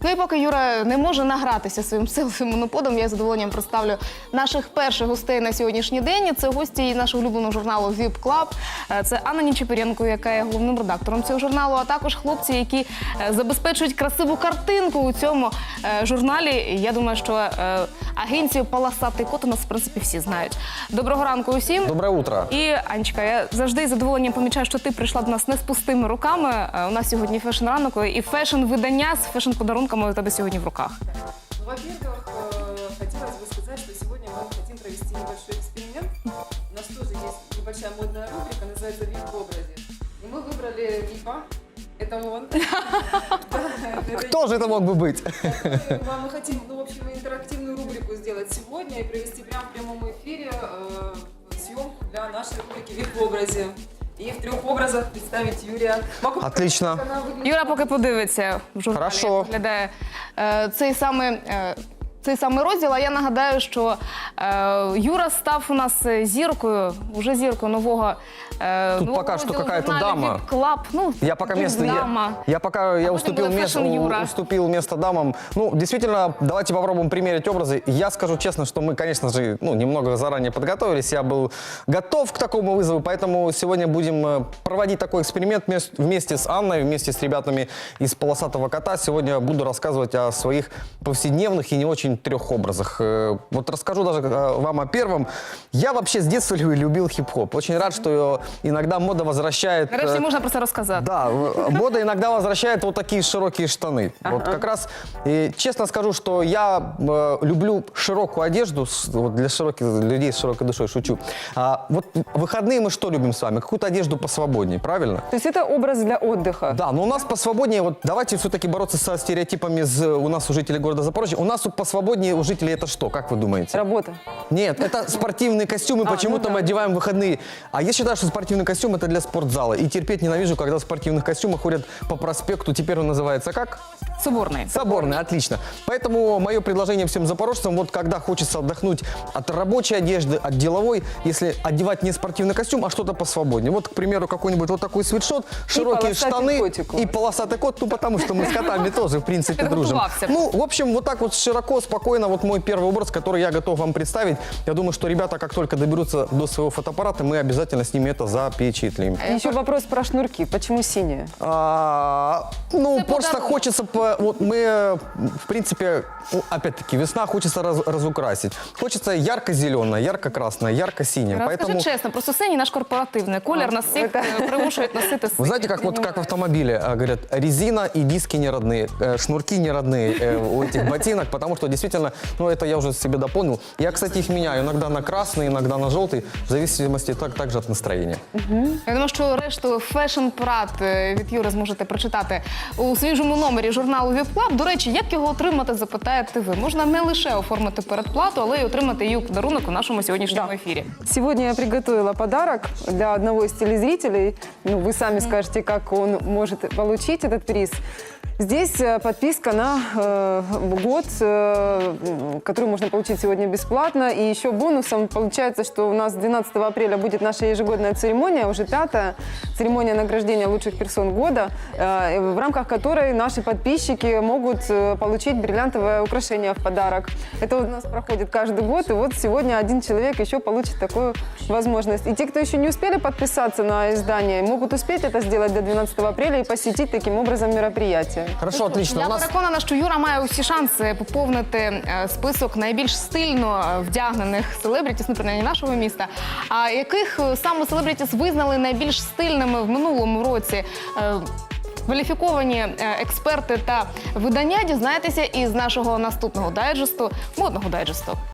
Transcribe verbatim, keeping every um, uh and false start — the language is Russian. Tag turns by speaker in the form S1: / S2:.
S1: Ну і поки Юра не може награтися своїм силовим моноподом, я з задоволенням представлю наших перших гостей на сьогоднішній день. Це гості нашого улюбленого журналу «Віп Клаб». Це Анна Нечепоренко, яка є головним редактором цього журналу, а також хлопці, які забезпечують красиву картинку у цьому журналі. Я думаю, що агенцію «Полосатий кот» у нас, в принципі, всі знають. Доброго ранку усім.
S2: Доброе утро.
S1: І, Анечка, я завжди з задоволенням помічаю, що ти прийшла до нас не з пустими руками. У нас сьогодні фешн-ранок і фешн-видання з фешн-подарунками у тебе сьогодні в руках.
S3: Во-первых, хотелось бы сказать, что сегодня мы хотим провести небольшой эксперимент. У нас тоже есть небольшая модная рубрика, называется «Вип в образе». И мы выбрали Випа. Это он.
S2: Кто же это мог бы быть?
S3: Мы хотим, ну, в общем, интерактивную рубрику сделать сегодня и провести прямо в прямом эфире съемку для нашей рубрики «Вип в образе». И в трех образах представить Юрия.
S2: Отлично.
S1: Юра поки подивиться в журналі,
S2: Хорошо.
S1: як виглядає е, цей самий е, цей самий розділ. А я нагадаю, що е, Юра став у нас зіркою, уже зіркою нового е,
S2: Тут
S1: нового
S2: пока что
S1: розділу
S2: какая-то
S1: журналу
S2: дама.
S1: «Віп Клаб». Ну,
S2: Я пока место,
S1: дама.
S2: я, я пока я
S1: потом
S2: уступил,
S1: было
S2: место,
S1: фэшн Юра.
S2: уступил место дамам. Ну, действительно, давайте попробуем примерить образы. Я скажу честно, что мы, конечно же, ну, немного заранее подготовились. Я был готов к такому вызову, поэтому сегодня будем проводить такой эксперимент вместе с Анной, вместе с ребятами из «Полосатого кота». Сегодня буду рассказывать о своих повседневных и не очень трех образах. Вот расскажу даже вам о первом. Я вообще с детства любил хип-хоп. Очень рад, что иногда мода возвращает...
S1: Нарешті можна про це розказати.
S2: Да, мода иногда возвращает вот такие широкие штаны.
S1: Ага.
S2: Вот как раз, и честно скажу, что я э, люблю широкую одежду, с- вот для широких людей с широкой душой, шучу. А, вот в выходные мы что любим с вами? Какую-то одежду посвободнее, правильно?
S4: То есть это образ для отдыха?
S2: Да, но у нас посвободнее, вот давайте все-таки бороться со стереотипами из, у нас у жителей города Запорожья. У нас посвободнее у жителей это что, как вы думаете?
S4: Работа.
S2: Нет, это спортивные костюмы,
S4: А,
S2: почему-то
S4: ну да.
S2: мы одеваем в выходные. А я считаю, что спортивный костюм это для спортзала. И терпеть ненавижу, когда в спортивных костюмах ходят по проспекту. Теперь он называется как?
S1: Соборний.
S2: Соборный, отлично. Поэтому мое предложение всем запорожцам, вот когда хочется отдохнуть от рабочей одежды, от деловой, если одевать не спортивный костюм, а что-то посвободнее. Вот, к примеру, какой-нибудь вот такой свитшот, широкие
S4: полосатый
S2: штаны
S4: котик у вас.
S2: и полосатый кот, ну потому что мы с котами тоже, в принципе, дружим.
S1: Подготовился.
S2: Ну, в общем, вот так вот широко, спокойно, вот мой первый образ, который я готов вам представить. Я думаю, что ребята, как только доберутся до своего фотоаппарата, мы обязательно с ними это запечатлим.
S4: И еще вопрос про шнурки. Почему синие?
S2: А, ну,
S1: Это
S2: просто
S1: подарок.
S2: хочется, по- вот мы, в принципе, ну, опять-таки, весна, хочется раз- разукрасить. Хочется ярко-зеленое, ярко-красное, ярко-синее.
S1: Скажи
S2: Поэтому,
S1: чесно, просто синій наш корпоративний колір нас всіх е, примушують носити
S2: вы знаете, как, вот, как в автомобиле а, говорят, резина и диски не родные, э, шнурки не родные э, у этих ботинок, потому что действительно, ну, это я уже себе дополнил. Я, кстати, их меняю иногда на красный, иногда на желтый, в зависимости так, также от настроения.
S1: Я думаю, що решту фешн-прат від Юри зможете прочитати у свіжому номері журналу «Віп Клаб». До речі, як його отримати, запитаєте ви. Можна не лише оформити передплату, але й отримати її у подарунок у нашому сьогоднішньому
S4: Да.
S1: ефірі.
S4: Сегодня я приготовила подарок для одного из телезрителей. Ну, вы сами скажете, как он может получить этот приз. Здесь э, подписка на э, год, э, которую можно получить сегодня бесплатно. И еще бонусом получается, что у нас двенадцатого апреля будет наша ежегодная церемония, уже пятая церемония награждения лучших персон года, э, в рамках которой наши подписчики могут э, получить бриллиантовое украшение в подарок. Это у нас проходит каждый год, и вот сегодня один человек еще получит такую возможность. И те, кто еще не успели подписаться на издание, могут успеть это сделать до двенадцатого апреля и посетить таким образом мероприятие.
S2: Хорошо, отлично.
S1: Я
S2: У нас...
S1: переконана, що Юра має усі шанси поповнити е, список найбільш стильно е, вдягнених селебрітіс, ну, принаймні нашого міста. А яких е, саме селебрітіс визнали найбільш стильними в минулому році? Е, Кваліфіковані е, експерти та видання дізнаєтеся із нашого наступного дайджесту, модного дайджесту.